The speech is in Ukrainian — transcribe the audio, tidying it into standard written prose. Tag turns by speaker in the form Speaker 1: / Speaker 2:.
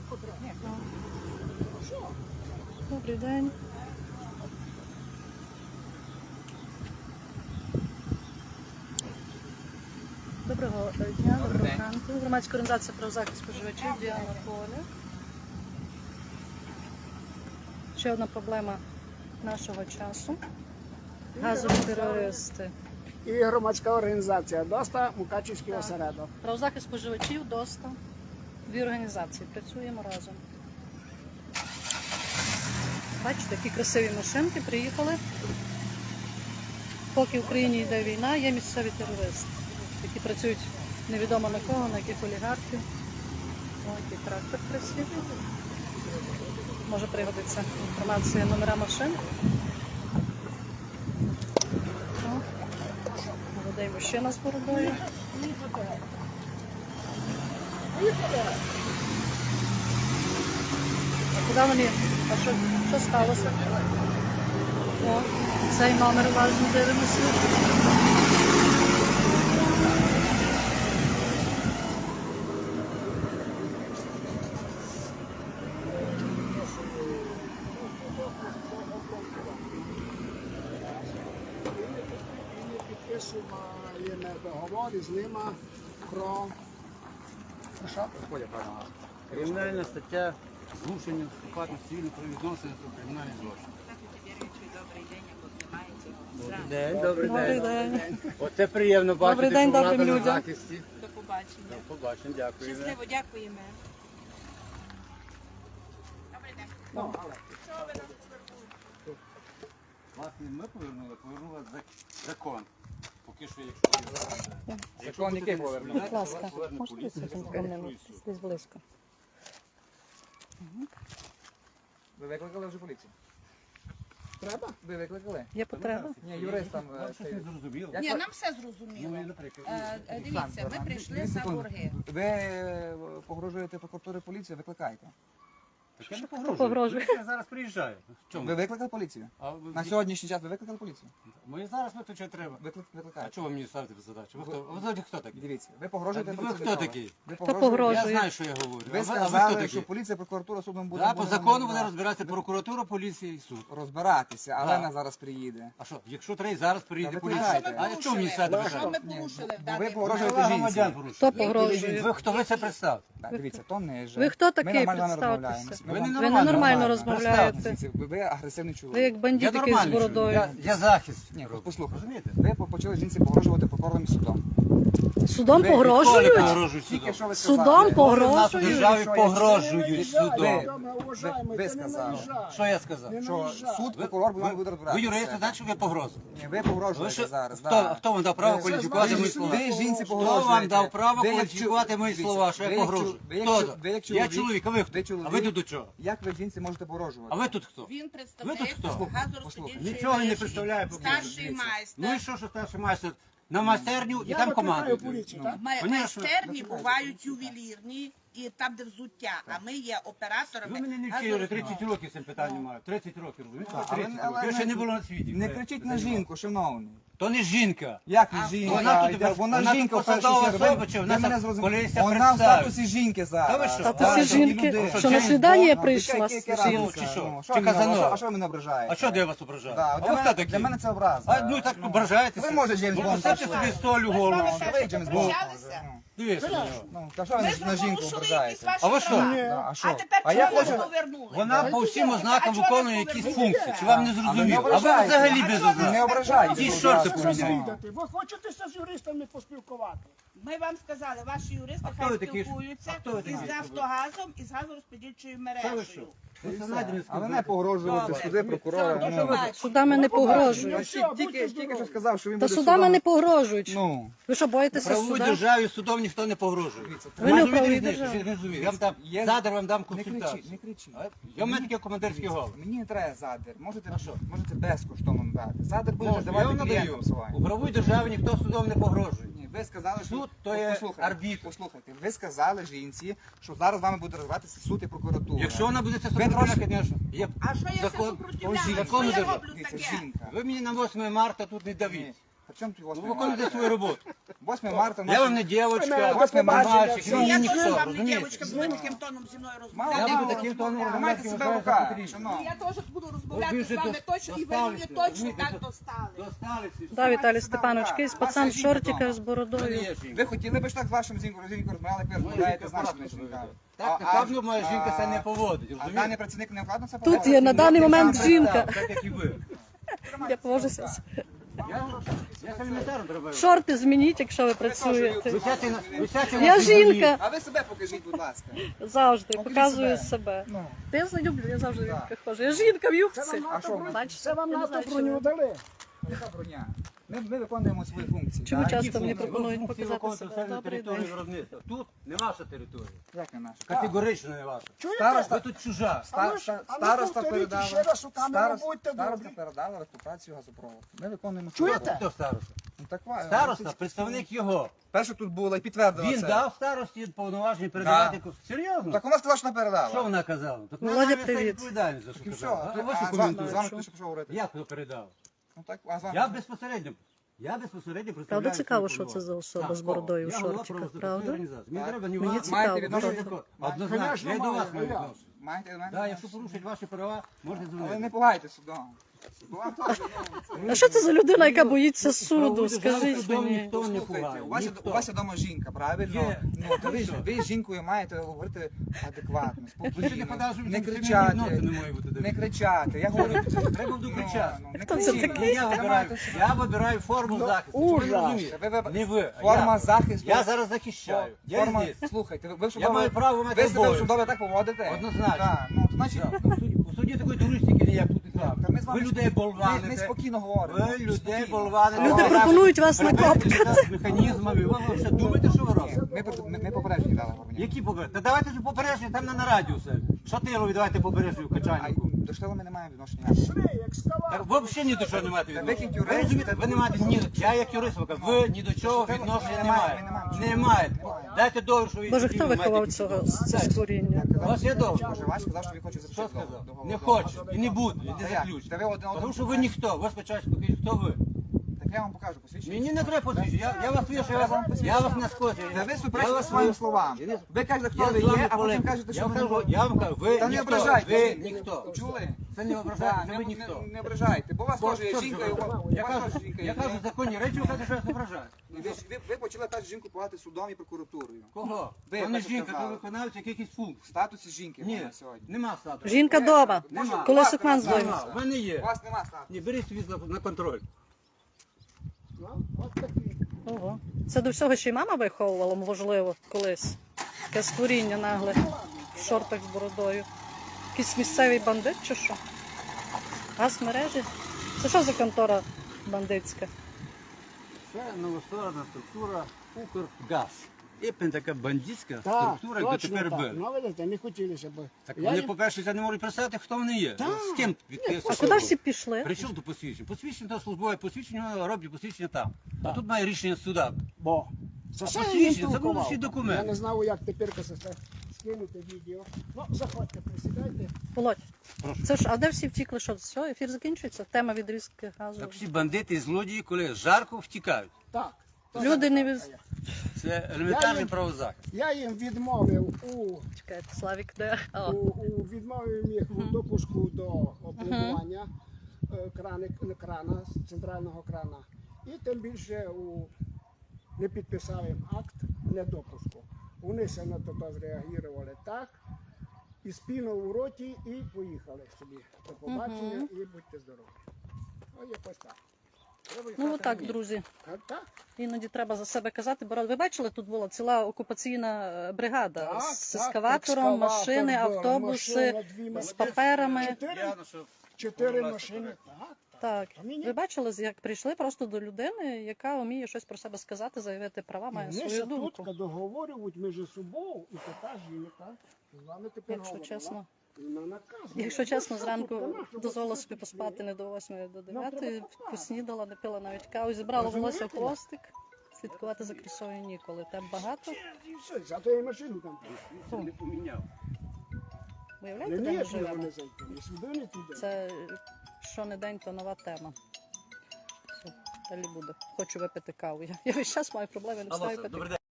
Speaker 1: Добрий день. Доброго дня, доброго ранку. Громадська організація про захист споживачів Діана Поля. Ще одна проблема нашого часу. Газові терористи.
Speaker 2: І громадська організація ДОСТА, Мукачівський осередок.
Speaker 1: Правозахист споживачів, ДОСТА. Дві організації. Працюємо разом. Бачите, такі красиві машинки приїхали. Поки в Україні йде війна, є місцеві терористи, які працюють невідомо на кого, на яких олігархів. Ось який трактор красивий. Може пригодиться інформація, номера машин. Молодий мужчина з бородою. А куди вони? А що сталося? О, цей номер уважно дивимося.
Speaker 2: Підписуємо договори з ними про...
Speaker 3: Кримінальна стаття зрушення вступати в цивільні правовідносини про кримінальний злочин.
Speaker 1: Добрий день.
Speaker 3: Оце приємно бачити,
Speaker 1: Добрий день,
Speaker 3: що вона
Speaker 1: добрим
Speaker 3: на
Speaker 1: людям.
Speaker 3: захисті.
Speaker 4: До побачення.
Speaker 3: До побачення, дякую.
Speaker 4: Щасливо, дякуємо.
Speaker 3: Власне, ми повернули закон. Поки що, якщо...
Speaker 5: Закон який повернув?
Speaker 1: Будь ласка, можете присутні десь близько?
Speaker 5: Ви викликали вже поліцію?
Speaker 2: Треба?
Speaker 5: Ви викликали?
Speaker 1: Є потреба?
Speaker 5: Ні, юрист там.
Speaker 3: Нам щось не зрозуміло.
Speaker 4: Ні, нам все зрозуміло.
Speaker 3: Ну, наприклад,
Speaker 4: Дивіться, ми прийшли за борги.
Speaker 5: Ви погрожуєте прокуратурі поліцію, викликайте.
Speaker 3: Так я не погрожую.
Speaker 1: Погрожує.
Speaker 3: Я зараз приїжджаю. В чому?
Speaker 5: Ви викликали поліцію?
Speaker 3: А
Speaker 5: На сьогоднішній час ви викликали поліцію?
Speaker 3: Ми зараз виключати треба. А
Speaker 5: Викликайте.
Speaker 3: чого ви мені ставите задачу? Ви хто такий?
Speaker 5: Дивіться, ви погрожуєте
Speaker 3: Ви хто
Speaker 5: працівникові.
Speaker 3: такий?
Speaker 5: Ви
Speaker 1: погрожує?
Speaker 3: Я знаю, що я говорю.
Speaker 5: Ви
Speaker 3: А ви хто
Speaker 5: сказали,
Speaker 3: такі?
Speaker 5: що поліція, прокуратура, судом буде...
Speaker 3: Да, по закону буде розбиратися прокуратура, поліція і суд.
Speaker 5: розбиратися, але
Speaker 3: Да.
Speaker 5: вона зараз приїде.
Speaker 3: А що, якщо треба, зараз приїде
Speaker 5: Та ви
Speaker 3: поліція.
Speaker 5: приїжджайте.
Speaker 3: А чого мені сядете?
Speaker 4: Що ми порушили в
Speaker 5: Ви
Speaker 4: даний
Speaker 5: погрожуєте
Speaker 3: Права
Speaker 5: жінці.
Speaker 3: громадян порушує.
Speaker 1: Хто погрожує?
Speaker 3: Ви хто ви це представте?
Speaker 5: Так, дивіться, то не же.
Speaker 1: Ви хто
Speaker 5: Ми
Speaker 1: такий?
Speaker 5: нормально
Speaker 1: Представтеся.
Speaker 5: розмовляємо.
Speaker 3: Ви
Speaker 5: Ми вам-
Speaker 1: Ви ненормально
Speaker 3: розмовляєте.
Speaker 1: розмовляєте.
Speaker 5: Ви агресивний
Speaker 1: Ви
Speaker 5: чоловік.
Speaker 1: як бандит
Speaker 3: Я
Speaker 1: якийсь з
Speaker 3: нормальний
Speaker 1: бородою.
Speaker 3: чоловік. Я захист.
Speaker 5: Ні,
Speaker 3: роблю.
Speaker 5: послухайте.
Speaker 3: Розумієте?
Speaker 5: Ви почали жінці погрожувати прокурором і судом.
Speaker 1: Судом
Speaker 5: Ви
Speaker 3: Коли
Speaker 1: погрожують?
Speaker 3: погрожують
Speaker 5: Тільки
Speaker 3: судом?
Speaker 5: що ви
Speaker 1: Судом
Speaker 5: сказали.
Speaker 3: Коли в нас у
Speaker 1: погрожують?
Speaker 3: державі
Speaker 5: Що я-
Speaker 3: погрожують судом.
Speaker 5: Ви сказали.
Speaker 3: Що я сказав?
Speaker 5: Що суд, прокурор буде
Speaker 3: Ви
Speaker 5: розбиратися.
Speaker 3: юристи, значить, що ви погрозу.
Speaker 5: Ні, ви
Speaker 3: Ви
Speaker 5: погрожуєте
Speaker 3: що?
Speaker 5: зараз.
Speaker 3: Хто вам дав право
Speaker 5: Ви-
Speaker 3: кваліфікувати мої слова?
Speaker 5: Ви жінці
Speaker 3: Хто
Speaker 5: погрожуєте.
Speaker 3: вам дав право
Speaker 5: Ви як
Speaker 3: кваліфікувати мої
Speaker 5: дивіться,
Speaker 3: слова, що
Speaker 5: ви
Speaker 3: я
Speaker 5: як
Speaker 3: погрожую?
Speaker 5: ви як
Speaker 3: Хто?
Speaker 5: ви як
Speaker 3: Я чоловік, а ви хто?
Speaker 5: Ви чоловік.
Speaker 3: А ви тут до чого?
Speaker 5: Як ви жінці можете
Speaker 3: А
Speaker 5: погрожувати?
Speaker 3: ви тут хто?
Speaker 4: Він
Speaker 3: Ви
Speaker 4: представляє
Speaker 3: тут хто?
Speaker 4: газорозподільчої
Speaker 3: Нічого не
Speaker 4: мережі.
Speaker 3: представляю.
Speaker 4: Старший
Speaker 3: Ну і
Speaker 4: майстер.
Speaker 3: що старший майстер? На майстерню і там командують.
Speaker 2: поліцію, так?
Speaker 3: Конечно.
Speaker 4: Майстерні бувають ювелірні і там, де взуття, а ми є операторами.
Speaker 3: Ви мене не вчили, вже 30 років цим питанням маю. 30 років. розумієте?
Speaker 5: але-
Speaker 3: 30
Speaker 5: але
Speaker 3: років. Я ще
Speaker 5: не-
Speaker 3: не було на світі.
Speaker 5: Не кричіть на жінку, шановний.
Speaker 3: То не жінка.
Speaker 5: Як не жінка?
Speaker 3: Вона тут
Speaker 5: Вона жінка в першу
Speaker 3: посадова
Speaker 5: чергу.
Speaker 3: особа, чи
Speaker 5: Ви
Speaker 3: вона
Speaker 5: мене
Speaker 3: сам
Speaker 5: зрозуміли.
Speaker 3: поліція
Speaker 5: Вона в
Speaker 3: представить?
Speaker 5: статусі жінки зараз.
Speaker 3: Та ви що?
Speaker 1: Статусі
Speaker 3: Та,
Speaker 1: жінки,
Speaker 3: люди.
Speaker 1: що на
Speaker 3: Джеймс
Speaker 1: свідання
Speaker 3: Бонд?
Speaker 1: прийшла.
Speaker 5: Яке
Speaker 3: Сіло, чи що? Чи Казанова?
Speaker 5: А що ви мене ображаєте?
Speaker 3: А що де я вас ображаю?
Speaker 5: Да,
Speaker 3: А
Speaker 5: для
Speaker 3: ви
Speaker 5: мене-
Speaker 3: хто такі?
Speaker 5: Для мене це образа.
Speaker 3: А, ну так ображаєтеся.
Speaker 5: Ви може Джеймс
Speaker 3: Ну,
Speaker 5: Бонд.
Speaker 3: поставте собі соль у голову.
Speaker 5: Ви Джеймс Бонд.
Speaker 4: Зустрічалися?
Speaker 3: Дивіться на нього.
Speaker 5: Ну, та що ви
Speaker 4: Ми
Speaker 5: на жінку
Speaker 4: порушили якісь
Speaker 5: ображаєте?
Speaker 4: ваші
Speaker 3: А ви що?
Speaker 4: права.
Speaker 5: Да, а
Speaker 4: А
Speaker 5: що?
Speaker 4: тепер
Speaker 5: А я
Speaker 4: чого вас
Speaker 5: хочу...
Speaker 4: повернули?
Speaker 3: Вона по всім ознакам
Speaker 4: А чого
Speaker 3: виконує
Speaker 4: вас
Speaker 3: якісь
Speaker 4: повернули?
Speaker 3: функції. Чи вам не зрозуміло? А ви
Speaker 5: ображайте.
Speaker 3: взагалі
Speaker 4: А
Speaker 3: без
Speaker 4: чого ви
Speaker 3: ознак.
Speaker 5: Не ображайте.
Speaker 3: Ті шорти
Speaker 5: Будь ласка.
Speaker 3: поміняйте.
Speaker 2: Ви хочете з юристами поспілкувати?
Speaker 4: Ми вам сказали, ваші юристи
Speaker 3: А хто
Speaker 4: хай
Speaker 3: ви такі?
Speaker 4: спілкуються
Speaker 3: А хто ви такі?
Speaker 4: із Нафтогазом і з газорозподільчою
Speaker 3: Що ви що?
Speaker 4: мережею.
Speaker 5: Але не погрожувати
Speaker 4: Добре.
Speaker 5: суди, прокурора.
Speaker 4: Все,
Speaker 5: ну.
Speaker 4: дуже бачу.
Speaker 1: Судами не погрожують.
Speaker 5: Тільки що сказав, що він
Speaker 1: Та
Speaker 5: буде
Speaker 1: судами
Speaker 5: судом.
Speaker 1: не погрожують.
Speaker 5: Ну,
Speaker 1: Ви що,
Speaker 3: В
Speaker 1: боїтеся
Speaker 3: правовій
Speaker 1: суда?
Speaker 3: державі судом ніхто не погрожує.
Speaker 1: Ви не в
Speaker 3: Розумієте
Speaker 1: правовій
Speaker 3: різницю?
Speaker 1: державі.
Speaker 3: Не розумію. Я вам дам,
Speaker 5: Є-
Speaker 3: задер вам дам
Speaker 5: не кричіть,
Speaker 3: консультацію.
Speaker 5: не кричіть.
Speaker 3: А? Я в мене таке командирське голос.
Speaker 5: Мені не треба задер. Можете,
Speaker 3: А що?
Speaker 5: можете безкоштовно дати. Задер буде
Speaker 3: Можна, я
Speaker 5: давати
Speaker 3: вам надаю.
Speaker 5: клієнтам своїм.
Speaker 3: У правовій державі ніхто судом не погрожує.
Speaker 5: Ні, ви сказали, що...
Speaker 3: Суд то є
Speaker 5: Послухайте,
Speaker 3: арбітр.
Speaker 5: Послухайте, ви сказали жінці, що зараз з вами буде розвиватися суд і прокуратура.
Speaker 3: Якщо вона буде це
Speaker 5: Ви
Speaker 3: супротивляти,
Speaker 5: трошки-
Speaker 3: звісно. Є
Speaker 4: А що я все
Speaker 3: закон.
Speaker 4: супротивляю?
Speaker 3: закон
Speaker 4: Що я
Speaker 3: держави.
Speaker 4: роблю
Speaker 5: Дивіться,
Speaker 4: таке?
Speaker 5: жінка.
Speaker 3: Ви мені на 8 марта тут не давіть.
Speaker 5: При чому тут
Speaker 3: Ви
Speaker 5: 8
Speaker 3: виконуєте
Speaker 5: марта?
Speaker 3: свою роботу.
Speaker 5: 8 марта.
Speaker 3: Я вам не дівчинка,
Speaker 2: До
Speaker 3: 8
Speaker 2: побачення.
Speaker 3: мальчик,
Speaker 2: Ну,
Speaker 3: ну
Speaker 4: Я
Speaker 3: ніхто,
Speaker 4: теж вам не
Speaker 3: розумієте?
Speaker 4: дівчинка, буду таким тоном зі мною
Speaker 5: Мало
Speaker 3: Я
Speaker 4: розмовляти.
Speaker 3: буду таким тоном
Speaker 5: ви маєте
Speaker 3: розмовляти,
Speaker 5: себе
Speaker 3: вважаю
Speaker 5: в руках,
Speaker 3: за потрібне.
Speaker 5: шановні.
Speaker 4: Я теж буду розмовляти
Speaker 3: Ви
Speaker 4: з
Speaker 3: вже
Speaker 4: вами точно, і ви мені
Speaker 3: досталися,
Speaker 4: точно
Speaker 3: розумієте,
Speaker 4: так достали.
Speaker 3: Достались і
Speaker 1: Да,
Speaker 3: все.
Speaker 1: Віталій Степанович, якийсь
Speaker 5: Ваша
Speaker 1: пацан в
Speaker 5: жінка
Speaker 1: шортиках
Speaker 5: дома.
Speaker 1: з
Speaker 3: В мене
Speaker 1: бородою.
Speaker 3: є жінка.
Speaker 5: Ви хотіли б ж так з вашим жінкою розмовляли, як ви розмовляєте з нашими жінками?
Speaker 3: Так, так, ну, моя жінка це не поводить,
Speaker 5: А даний
Speaker 3: розумієте?
Speaker 5: працівник не вкладно це
Speaker 1: Тут
Speaker 5: поводить?
Speaker 1: є на даний момент
Speaker 3: Так,
Speaker 1: жінка.
Speaker 3: Так, як і ви.
Speaker 1: Я повожуся.
Speaker 3: Я з елементарно треба.
Speaker 1: Шорти змініть, якщо ви працюєте.
Speaker 3: Висячі
Speaker 1: Я жінка.
Speaker 5: А ви себе покажіть, будь ласка.
Speaker 1: Завжди
Speaker 5: Покажіть
Speaker 1: показую
Speaker 5: себе.
Speaker 1: себе.
Speaker 5: Ну.
Speaker 1: Та я люблю, я завжди в юбках ходжу. Я жінка в юбці.
Speaker 5: А що ви?
Speaker 1: Бачите?
Speaker 2: Це вам
Speaker 1: Я не
Speaker 2: НАТО
Speaker 1: знаю, що
Speaker 2: броню
Speaker 1: ви.
Speaker 2: дали.
Speaker 5: Яка броня? Ми виконуємо свої функції.
Speaker 1: Чому
Speaker 3: Так,
Speaker 1: часто
Speaker 3: які
Speaker 1: мені
Speaker 3: функції?
Speaker 1: пропонують
Speaker 3: Ви функції
Speaker 1: показати
Speaker 3: виконуєте
Speaker 1: себе?
Speaker 3: все на
Speaker 1: Добрий
Speaker 3: території
Speaker 1: день.
Speaker 3: виробництва. Тут не ваша територія.
Speaker 5: Як не наша?
Speaker 3: Категорично не ваша.
Speaker 5: Староста,
Speaker 3: Ви тут чужа.
Speaker 5: староста передала.
Speaker 2: ще раз у камеру, будьте
Speaker 5: Староста
Speaker 2: добрі.
Speaker 5: передала в експлуатацію газопроводу. Ми виконуємо свою
Speaker 2: Чуєте?
Speaker 5: роботу.
Speaker 3: Хто староста?
Speaker 5: Ну, так,
Speaker 3: Староста, представник його.
Speaker 5: Перше тут було і підтвердила
Speaker 3: Він
Speaker 5: це.
Speaker 3: дав старості повноваження передавати. Серйозно?
Speaker 5: Так вона сказала, що не
Speaker 3: Що
Speaker 5: передала.
Speaker 3: вона казала? Так
Speaker 1: Володя,
Speaker 3: вона несе
Speaker 1: привіт.
Speaker 3: відповідальність за що
Speaker 5: І все.
Speaker 3: казала. А ви що
Speaker 5: А з
Speaker 3: коментуєте?
Speaker 5: вами хто ще пішов говорити?
Speaker 3: Як хто передав?
Speaker 5: Ну так, а з вами?
Speaker 3: Я безпосередньо представляю.
Speaker 1: Правда цікаво,
Speaker 3: свої
Speaker 1: що це за особа
Speaker 3: Так,
Speaker 1: з бородою в
Speaker 3: я голова
Speaker 1: шортиках,
Speaker 3: правозахисної
Speaker 1: правда?
Speaker 3: організації. Мені
Speaker 5: Так.
Speaker 3: треба ні
Speaker 1: Мені
Speaker 3: вас,
Speaker 1: цікаво.
Speaker 5: Маєте відношення
Speaker 3: ні
Speaker 5: до-
Speaker 3: до однозначно. Я й до вас маю відношення.
Speaker 5: Маєте до мене?
Speaker 3: Так, якщо порушать ваші права, можете
Speaker 5: Але не
Speaker 3: дзвонити.
Speaker 5: пугайте судом. Судом теж, ну,
Speaker 1: А що це за людина, яка боїться суду?
Speaker 3: Правову державу
Speaker 1: Скажіть
Speaker 3: судом
Speaker 1: мені.
Speaker 3: ніхто не
Speaker 5: Слухайте,
Speaker 3: пугає.
Speaker 5: у вас є
Speaker 3: Ніхто.
Speaker 5: вдома жінка, правильно?
Speaker 3: Є.
Speaker 5: Ну, то ви,
Speaker 3: Що?
Speaker 5: ви з жінкою маєте говорити адекватно,
Speaker 3: Ви ще не
Speaker 5: спокійно,
Speaker 3: подали, що
Speaker 5: не
Speaker 3: сімейні
Speaker 5: кричати,
Speaker 3: відносини не можуть бути.
Speaker 5: не кричати. Я говорю,
Speaker 3: Треба буду кричати.
Speaker 5: не
Speaker 1: Хто це
Speaker 5: кричіть.
Speaker 1: такий?
Speaker 3: Я вибираю форму захисту. щоб ви
Speaker 2: ужас.
Speaker 3: розуміли.
Speaker 5: Ви
Speaker 3: Не ви, а
Speaker 5: Форма
Speaker 3: я.
Speaker 5: захисту.
Speaker 3: Я зараз захищаю. Я
Speaker 5: Форма,
Speaker 3: здесь.
Speaker 5: слухайте, ви в
Speaker 3: Я
Speaker 5: судове-
Speaker 3: маю право мати
Speaker 5: ви себе в
Speaker 3: обов'язок.
Speaker 5: судове так поводите?
Speaker 3: Однозначно.
Speaker 5: Так, ну, значить,
Speaker 3: Так, у суді такої туристики ніяк тут і так.
Speaker 5: та ми з вами
Speaker 3: Ви людей
Speaker 5: ми
Speaker 3: болваните.
Speaker 5: спокійно говоримо.
Speaker 3: Ви людей
Speaker 5: Спокійно.
Speaker 3: болваните.
Speaker 1: Люди пропонують вас накопати.
Speaker 3: З механізмами. Ви ще думаєте, що ви робите?
Speaker 5: Ми попереджені дали говорення.
Speaker 3: Які попередження? Та давайте ж попередження там на радіо все. Шатилові давайте попередження в
Speaker 5: А
Speaker 3: качальнику.
Speaker 5: до штилу ми не маємо відношення.
Speaker 3: Ви взагалі ні до чого не маєте
Speaker 5: Та
Speaker 3: відношення.
Speaker 5: ви як
Speaker 3: Ви
Speaker 5: юрист,
Speaker 3: розумієте, ви не маєте ні до я як юрист, ви ні до чого
Speaker 5: Ми
Speaker 3: відношення
Speaker 5: не
Speaker 3: не
Speaker 5: маємо, ми
Speaker 3: маєте.
Speaker 5: не
Speaker 3: Не маєте. Дайте довір, що ви
Speaker 1: Боже,
Speaker 3: дійсно
Speaker 1: хто
Speaker 3: маєте
Speaker 1: виховав
Speaker 3: якісь
Speaker 1: цього
Speaker 3: відносини.
Speaker 1: це створіння?
Speaker 3: У вас є довір?
Speaker 5: Боже, Вась сказав, що він хоче
Speaker 3: Що
Speaker 5: заключити
Speaker 3: сказав?
Speaker 5: договор.
Speaker 3: Не хочу і не буду. Іди
Speaker 5: Та як?
Speaker 3: заключ.
Speaker 5: Та ви один
Speaker 3: Тому що ви ніхто. Ви спочатку покажіть, хто ви.
Speaker 5: Так я вам покажу посвідчення.
Speaker 3: Мені не треба посвідчення. Я вас вішу, я вас не скочу.
Speaker 5: Та ви суперечите своїм словам. Ви кажете, хто ви є, а потім кажете, що ви не ви.
Speaker 3: Я вам кажу, ви
Speaker 5: Та не
Speaker 3: ніхто.
Speaker 5: ображайте.
Speaker 3: Ви ніхто.
Speaker 5: Чули?
Speaker 3: Це не
Speaker 5: Так,
Speaker 3: ображайте, ви ніхто.
Speaker 5: не ображайте, бо у вас теж є
Speaker 3: Що
Speaker 5: жінка,
Speaker 3: це
Speaker 5: і у
Speaker 3: ви?
Speaker 5: вас
Speaker 3: Я кажу,
Speaker 5: теж жінка
Speaker 3: я
Speaker 5: є.
Speaker 3: кажу законні речі, ви кажете, що я не ображаю.
Speaker 5: Ви почали першу жінку пугати судом і прокуратурою.
Speaker 3: Кого?
Speaker 5: Ви
Speaker 3: То не
Speaker 5: так
Speaker 3: жінка, то
Speaker 5: сказали.
Speaker 3: виконавець якихось
Speaker 5: В
Speaker 3: функцій.
Speaker 5: статусі жінки
Speaker 3: Ні,
Speaker 5: вона сьогодні.
Speaker 3: нема статусу.
Speaker 1: Жінка дома.
Speaker 3: Нема.
Speaker 1: Коли
Speaker 5: Вас
Speaker 1: сукман
Speaker 5: нема.
Speaker 1: здоїться.
Speaker 3: Нема. В мене
Speaker 5: У
Speaker 3: є.
Speaker 5: вас нема статусу.
Speaker 3: Ні, беріть світло на контроль.
Speaker 1: Ого. Це до всього ще й мама виховувала, можливо, колись. Таке створіння нагле в шортах з бородою. Якийсь місцевий бандит чи що? Газ мережі? Це що за контора бандитська?
Speaker 3: Це новостворена структура Укргаз. І така бандитська
Speaker 2: Так,
Speaker 3: структура, як
Speaker 2: точно
Speaker 3: дотепер
Speaker 2: так.
Speaker 3: були.
Speaker 2: Ну, видите, не хотілося б.
Speaker 3: Так
Speaker 2: Я
Speaker 3: вони,
Speaker 2: їм-
Speaker 3: по-перше, це не можуть представити, хто вони є. З ким відкрився.
Speaker 1: А куди всі пішли?
Speaker 3: При чому тут посвідчення? Посвідчення то службове посвідчення, воно роблять посвідчення там. А тут має рішення суда.
Speaker 2: Бо. Це
Speaker 3: А
Speaker 2: все
Speaker 3: посвідчення,
Speaker 2: він
Speaker 3: це
Speaker 2: толкував.
Speaker 3: будуть всі документи.
Speaker 2: Я не знав, як тепер скинути відео. Ну, заходьте, присідайте.
Speaker 1: Володь,
Speaker 3: Прошу.
Speaker 1: це ж, а де всі втікли? Що, все, ефір закінчується? Тема відрізки газу.
Speaker 3: Так всі бандити і злодії, коли жарко втікають.
Speaker 2: Так.
Speaker 1: Люди не від...
Speaker 3: Це елементарний
Speaker 2: їм-
Speaker 3: правозахист.
Speaker 2: Я їм відмовив
Speaker 1: Чекайте, Славік де?
Speaker 2: відмовив їх у допуску до обладнання крана, центрального крана. І тим більше не підписав їм акт недопуску. Вони се на то зреагували так, і спінув у роті, і поїхали собі. До побачення і будьте здорові. Ось якось так.
Speaker 1: Ну отак, друзі.
Speaker 2: А так?
Speaker 1: Іноді треба за себе казати. Ви бачили, тут була ціла окупаційна бригада
Speaker 2: Так,
Speaker 1: з
Speaker 2: так,
Speaker 1: ескаватором,
Speaker 2: екскаватор,
Speaker 1: машини,
Speaker 2: да,
Speaker 1: автобуси
Speaker 2: машина, дві
Speaker 1: з
Speaker 2: машини.
Speaker 1: паперами.
Speaker 2: Чотири машини. Так.
Speaker 1: Так,
Speaker 2: А мені-
Speaker 1: ви бачили, як прийшли просто до людини, яка вміє щось про себе сказати, заявити права, має
Speaker 2: Вони
Speaker 1: свою
Speaker 2: ще
Speaker 1: думку.
Speaker 2: тут договорюють між собою, і така жінка з вами тепер
Speaker 1: Якщо
Speaker 2: говорила,
Speaker 1: чесно.
Speaker 2: і вона наказує.
Speaker 1: Якщо чесно,
Speaker 2: Ну,
Speaker 1: зранку
Speaker 2: тут нема, щоб
Speaker 1: дозволила
Speaker 2: щось
Speaker 1: собі
Speaker 2: тут
Speaker 1: поспати
Speaker 2: є.
Speaker 1: не до 8, до
Speaker 2: Нам
Speaker 1: 9,
Speaker 2: треба поспати.
Speaker 1: поснідала, не пила навіть каву, зібрала волосся в
Speaker 2: Розумієте?
Speaker 1: хвостик. Слідкувати за красою ніколи. Там багато.
Speaker 2: І все, зато я машину там.
Speaker 3: Не поміняв.
Speaker 1: Виявляєте,
Speaker 2: Не
Speaker 1: де ми
Speaker 2: ніяк його
Speaker 1: живемо?
Speaker 2: не зайти, ні сюди, ні туди.
Speaker 1: Це що не день, то нова тема. Все. Далі буде. Хочу випити каву. Я весь час маю проблеми, не
Speaker 6: Алло,
Speaker 1: встаю
Speaker 6: сер,
Speaker 1: пити.
Speaker 6: добрий день.